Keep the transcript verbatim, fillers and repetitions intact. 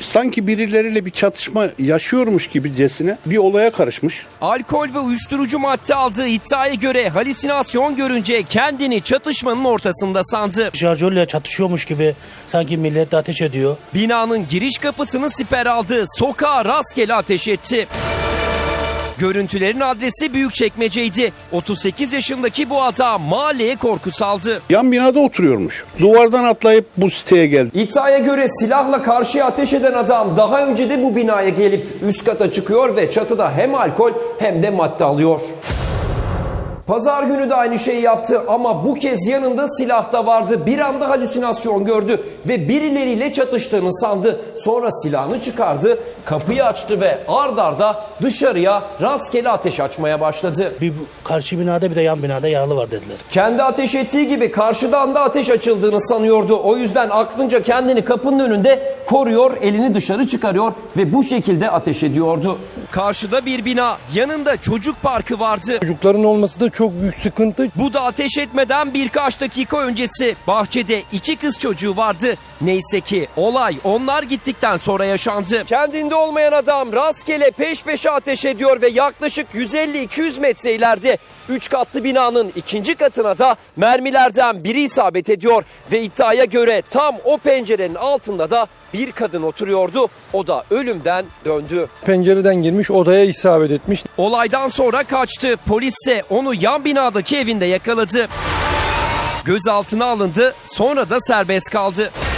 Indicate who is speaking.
Speaker 1: sanki birileriyle bir çatışma yaşıyormuş gibicesine bir olaya karışmış.
Speaker 2: Alkol ve uyuşturucu madde aldığı iddiaya göre halüsinasyon görünce kendini çatışmanın ortasında sandı.
Speaker 3: Şarjörle çatışıyormuş gibi sanki millet de ateş ediyor.
Speaker 2: Binanın giriş kapısını siper aldı, sokağa rastgele ateş etti. Görüntülerin adresi Büyükçekmece'ydi. otuz sekiz yaşındaki bu adam mahalleye korku saldı.
Speaker 1: Yan binada oturuyormuş. Duvardan atlayıp bu siteye geldi.
Speaker 2: İddiaya göre silahla karşıya ateş eden adam daha önce de bu binaya gelip üst kata çıkıyor ve çatıda hem alkol hem de madde alıyor. Pazar günü de aynı şeyi yaptı ama bu kez yanında silah da vardı. Bir anda halüsinasyon gördü ve birileriyle çatıştığını sandı. Sonra silahını çıkardı, kapıyı açtı ve ard arda dışarıya rastgele ateş açmaya başladı.
Speaker 3: Bir karşı binada bir de yan binada yaralı var dediler.
Speaker 2: Kendi ateş ettiği gibi karşıdan da ateş açıldığını sanıyordu. O yüzden aklınca kendini kapının önünde koruyor, elini dışarı çıkarıyor ve bu şekilde ateş ediyordu. Karşıda bir bina, yanında çocuk parkı vardı.
Speaker 4: Çocukların olması da çok büyük sıkıntı.
Speaker 2: Bu da ateş etmeden birkaç dakika öncesi. Bahçede iki kız çocuğu vardı. Neyse ki olay onlar gittikten sonra yaşandı. Kendinde olmayan adam rastgele peş peşe ateş ediyor ve yaklaşık yüz elli iki yüz metre ileride üç katlı binanın ikinci katına da mermilerden biri isabet ediyor. Ve iddiaya göre tam o pencerenin altında da bir kadın oturuyordu. O da ölümden döndü.
Speaker 4: Pencereden girmiş, odaya isabet etmiş.
Speaker 2: Olaydan sonra kaçtı. Polis ise onu yan binadaki evinde yakaladı. Gözaltına alındı, sonra da serbest kaldı.